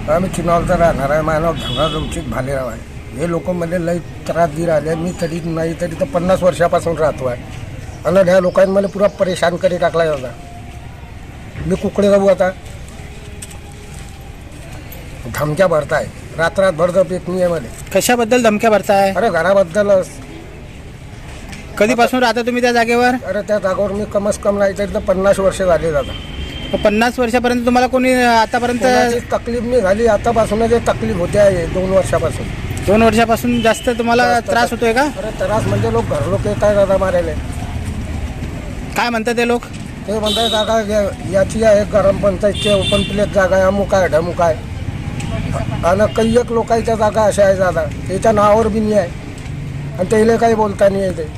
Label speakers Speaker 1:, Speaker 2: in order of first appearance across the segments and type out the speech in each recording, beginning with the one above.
Speaker 1: आम्ही चिनावरचा राहणार आहे. माझं नाव धनराज उचित भालेराव आहे. हे लोक मला लई त्रास दे राहिले. मी तरी नाही तरी तर 50 वर्षापासून राहतो आहे. आणि ह्या लोकांनी मला पुरा परेशान करी टाकला होता. मी कुकडे जाऊ आता. धमक्या भरताय, रात्रात झोप येत नाही आहे मध्ये.
Speaker 2: कशाबद्दल धमक्या भरताय?
Speaker 1: अरे घराबद्दलच.
Speaker 2: कधीपासून राहता तुम्ही त्या जागेवर?
Speaker 1: अरे त्या जागेवर मी कमस कम नाही तरी तर 50 वर्ष झाले दादा.
Speaker 2: 50 वर्षापर्यंत तुम्हाला कोणी आतापर्यंत?
Speaker 1: कोणाची तकलीफ नाही झाली. आतापासून जे तकलीफ होते आहे 2 वर्षापासून.
Speaker 2: 2 वर्षापासून जास्त तुम्हाला त्रास होतोय का?
Speaker 1: अरे त्रास म्हणजे लोक येत आहे दादा मारायला.
Speaker 2: काय म्हणतात ते लोक?
Speaker 1: ते म्हणतात जागा याची आहे ग्रामपंचायतची ओपन प्लेस जागा आहे, अमुक आहे ढमुक आहे. आणि काही एक लोकांच्या जागा अशा आहे दादा, त्याच्या नावावर बी नाही आहे. आणि त्याला काही बोलता नाही येते.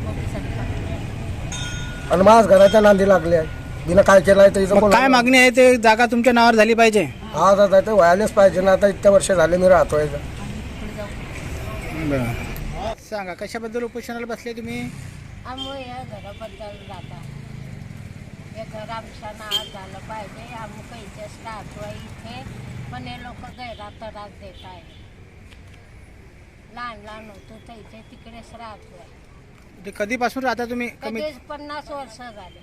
Speaker 1: आणि माझ घराच्या नांदी लागले आहे. बिना काय केलं आहे त्याचं
Speaker 2: काय मागणी आहे? ते जागा तुमच्या नावावर झाली पाहिजे.
Speaker 1: हा दादा ते व्हायलाच पाहिजे ना. आता इतक्या वर्ष झाले मी राहतोय.
Speaker 2: सांगा कशाबद्दल उपोषणाला बसले तुम्ही?
Speaker 3: आम्ही या घराबद्दल जाता. हे घर आमच्या नावात झालं पाहिजे. आम्ही काहीच राहतो इथे, पण हे लोक गैरात त्रास देत आहे. लहान लहान होतो तर इथे तिकडेच राहतो.
Speaker 2: ते कधीपासून राहता तुम्ही? कमी
Speaker 3: 50 वर्ष झाले.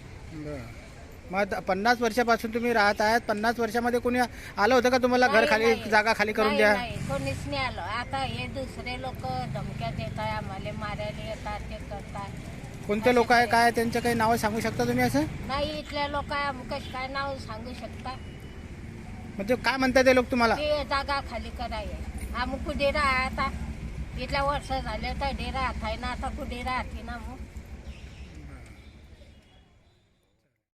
Speaker 2: मग 50 वर्षापासून तुम्ही राहत आहात. 50 वर्षामध्ये कोणी आलं होतं का तुम्हाला घर खाली,
Speaker 3: नाही.
Speaker 2: जागा खाली करून द्या?
Speaker 3: नाही, कोणीच नाही आलं. आता हे दुसरे लोक धमक्या देत आहे, आम्हाला मारायला येतात, ते करतात.
Speaker 2: कोणते लोक आहे, काय त्यांचं काही नावं सांगू शकता तुम्ही? असं
Speaker 3: नाही, इथल्या लोक कश काय नाव सांगू शकता?
Speaker 2: म्हणजे काय म्हणतात ते लोक तुम्हाला?
Speaker 3: ते जागा खाली करायला. आम्ही कुठे राहता? इथल्या वर्ष झाले तर डे राहत आहे ना. आता कुठे राहते ना मग.